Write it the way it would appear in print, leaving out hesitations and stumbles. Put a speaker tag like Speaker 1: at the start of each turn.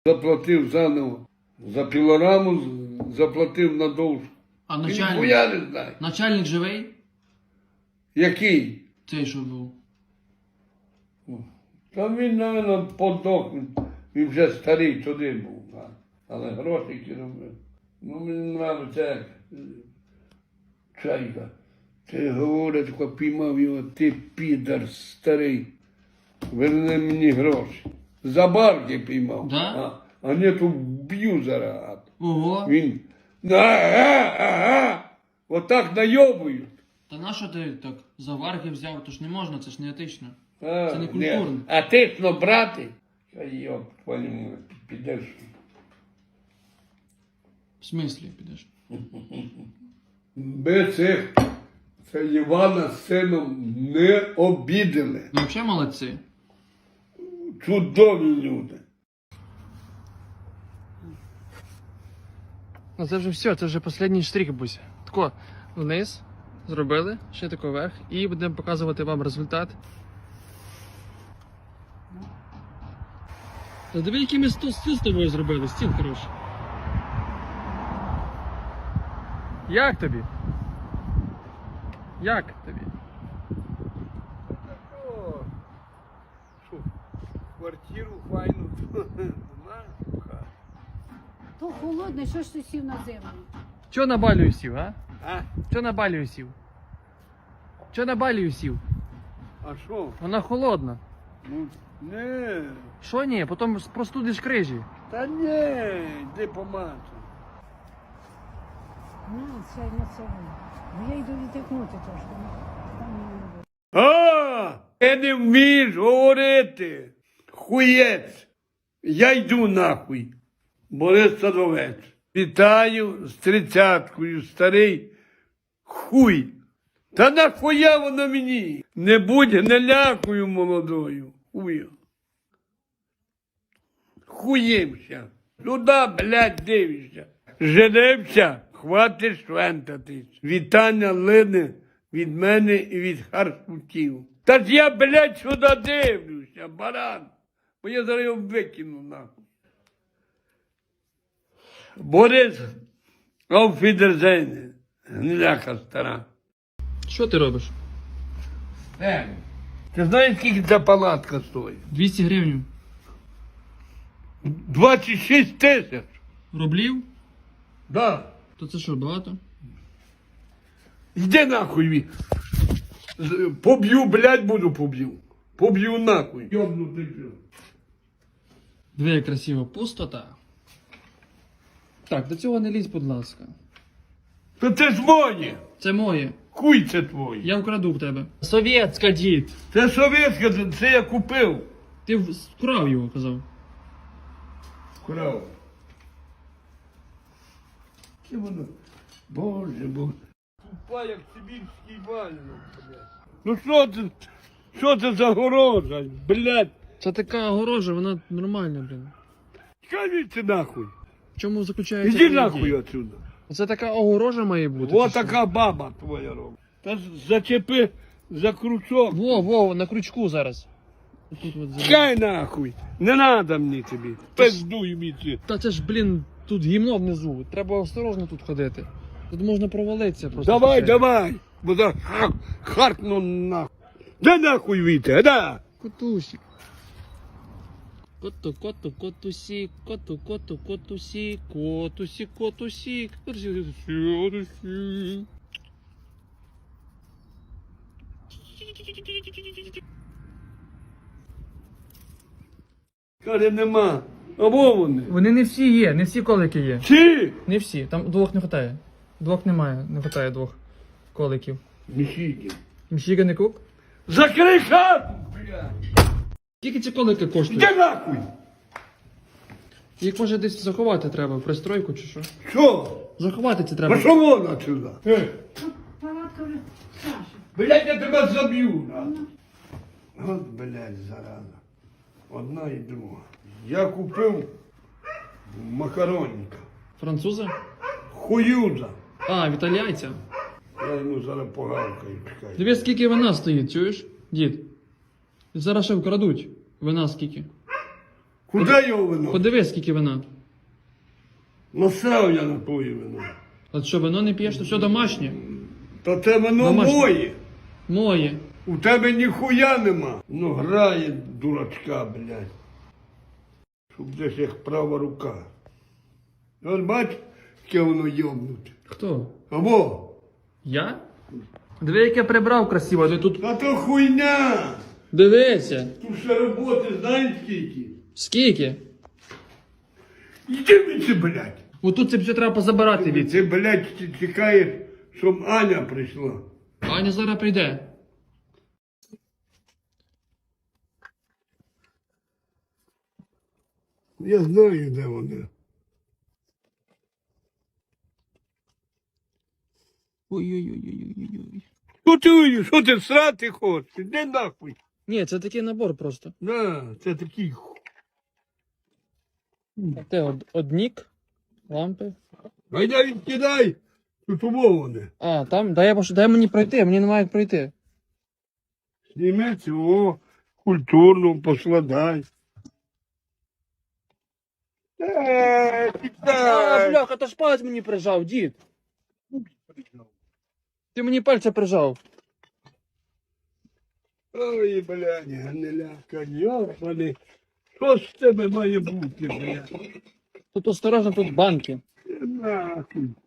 Speaker 1: Заплатив заново. За пілораму заплатив на довжку.
Speaker 2: А
Speaker 1: Ніхуя
Speaker 2: начальник?
Speaker 1: не знаю.
Speaker 2: Начальник живий?
Speaker 1: Який?
Speaker 2: Цей, що був.
Speaker 1: Та він, мабуть, подох. Він вже старий туди був. Але грошики робив. Ну, мені нравиться як Чайка. Ти говорить, коли піймав його, ти підар старий. Верни мені гроші. За барки піймав.
Speaker 2: Да?
Speaker 1: А не то вб'ю зараз.
Speaker 2: Ого.
Speaker 1: Він. Ага. Отак найобують.
Speaker 2: Та нащо ти так за варги взяв? То ж не можна, це ж не етично.
Speaker 1: А,
Speaker 2: Це не культурно.
Speaker 1: ні. А тисно брати? Та йоп, твою, підеш.
Speaker 2: В смислі підеш?
Speaker 1: Ми цих, це Івана з сином не обідали.
Speaker 2: Ну, взагалі молодці.
Speaker 1: Чудові люди.
Speaker 2: Ну це вже все, це вже останній штрих, Буся. Тако вниз зробили, ще тако вверх, і будемо показувати вам результат. Та диви, який ми стіл з тобою зробили, стіл хороший. Як тобі? Як тобі?
Speaker 1: О, що, квартиру файну знаєш?
Speaker 3: То холодно, що ж ти сів на землю?
Speaker 2: Чого на балію сів, а?
Speaker 1: А?
Speaker 2: Чого на балію сів? Чого на балію сів?
Speaker 1: А що?
Speaker 2: Вона холодна.
Speaker 1: Ну, не.
Speaker 2: Що ні? Потім простудиш крижі.
Speaker 1: Та не, йди помацай.
Speaker 3: На, сядь на себе. Бо я йду відтикнути трошки. Там не буде.
Speaker 1: А, ти не вмієш говорити. Хуєць. Я йду нахуй. Борис Садовець. Вітаю з 30-кою, старий хуй. Та нахуя воно мені? Не будь гнилякою молодою. Хую. Хуємся. Сюди, блядь, дивишся. Женився, хватить швентатись. Вітання лине від мене і від харсутів. Та ж я, блядь, сюди дивлюся, баран. Бо я зараз його викину, нахуй. Борис, ауфідерзейне, гниляка стара.
Speaker 2: Що ти робиш?
Speaker 1: Ти знаєш, скільки ця палатка стоїть?
Speaker 2: 200 гривень.
Speaker 1: 26 тисяч.
Speaker 2: Рублів?
Speaker 1: Да.
Speaker 2: То це що, багато?
Speaker 1: Йди нахуй. Поб'ю, блядь, буду поб'ю. Поб'ю нахуй. Йобнутий пів.
Speaker 2: Диви, як красиво. Пустота. Так, до цього не лізь, будь ласка.
Speaker 1: То це ж моє.
Speaker 2: Це моє.
Speaker 1: Хуй це твоє.
Speaker 2: Я вкраду в тебе. Совєтська, дід.
Speaker 1: Це совєтське, це я купив.
Speaker 2: Ти вкрав його, казав.
Speaker 1: Крав. Це воно. Боже, боже. Тупа, як сибірський вальник, блядь. Ну що це за горожа, блядь?
Speaker 2: Це така огорожа, вона нормальна, блін.
Speaker 1: Скажіть нахуй.
Speaker 2: В чому заключається?
Speaker 1: Іди
Speaker 2: її
Speaker 1: нахуй
Speaker 2: дія?
Speaker 1: отсюда.
Speaker 2: Це така огорожа має бути.
Speaker 1: Ось
Speaker 2: чи що?
Speaker 1: така баба твоя робить. Та зачепи за крючок.
Speaker 2: Во, на крючку зараз. Тут от зараз.
Speaker 1: Чекай нахуй. Не надо мені тобі. Пиздуй міці.
Speaker 2: Та це ж, блін, тут гімно внизу. Треба осторожно тут ходити. Тут можна провалитися просто.
Speaker 1: Давай,
Speaker 2: случайно.
Speaker 1: давай. Бо за хартну нахуй. Да нахуй віте, да.
Speaker 2: Котусик. Котусик, котусик, котусик.
Speaker 1: Каже, нема. Або вони.
Speaker 2: Вони не всі є, не всі колики є.
Speaker 1: Чи?
Speaker 2: Не всі, там двох не вистачає. Двох немає, не вистачає двох коликів.
Speaker 1: Міхіки.
Speaker 2: Міщіга не кук?
Speaker 1: Закрий хату, блядь.
Speaker 2: Скільки ці колики коштують?
Speaker 1: Іди нахуй.
Speaker 2: Їх може десь заховати треба, в пристройку чи що?
Speaker 1: Що?
Speaker 2: Заховати це треба.
Speaker 1: Пошов вон отсюда.
Speaker 3: Палатка вже Саша.
Speaker 1: Блядь, я тебе заб'ю. От, блядь, зараза. Одна і друга. Я купив макаронника.
Speaker 2: Французи?
Speaker 1: Хуюза.
Speaker 2: А, італійця.
Speaker 1: Я йому зараз погавкаю, чекай.
Speaker 2: Дивись, скільки вина стоїть, чуєш, дід? Зараз ще вкрадуть. Вина скільки?
Speaker 1: Куди його вино?
Speaker 2: Подивись, скільки вина.
Speaker 1: Насрав я на твоє вино.
Speaker 2: От що, вино не п'єш, то все домашнє.
Speaker 1: Та це вино
Speaker 2: Домашнє.
Speaker 1: моє.
Speaker 2: Моє.
Speaker 1: У тебе ніхуя нема. Ну грає дурачка, блядь. Щоб десь як права рука. От бач, яке воно йобнуте.
Speaker 2: Хто?
Speaker 1: Або?
Speaker 2: Я? Диви, як я прибрав красиво, ти тут.
Speaker 1: Та то хуйня!
Speaker 2: Дивися.
Speaker 1: Тут ще роботи знаєш скільки?
Speaker 2: Скільки?
Speaker 1: Іди від це, блядь.
Speaker 2: Отут це все треба позабирати від.
Speaker 1: Ти, блядь, чекаєш, щоб Аня прийшла.
Speaker 2: Аня зараз прийде.
Speaker 1: Я знаю, де вона.
Speaker 2: Ой-ой-ой-ой-ой-ой.
Speaker 1: Що ти срати хочеш? Іди нахуй.
Speaker 2: Ні, це такий набор просто.
Speaker 1: На, це такий.
Speaker 2: Те однік, лампи.
Speaker 1: Гайда відкидай. Тут умоване.
Speaker 2: А, там, дай мені пройти, мені немає як пройти.
Speaker 1: Зніми цього культурно поскладай.
Speaker 2: А,
Speaker 1: Тікай.
Speaker 2: бляха, та ж палець мені прижав, дід. Ти мені пальця прижав.
Speaker 1: Ой, блядь, гниляка, йобаний. Що з тебе має бути, блядь?
Speaker 2: Тут осторожно, тут банки.
Speaker 1: Нахуй.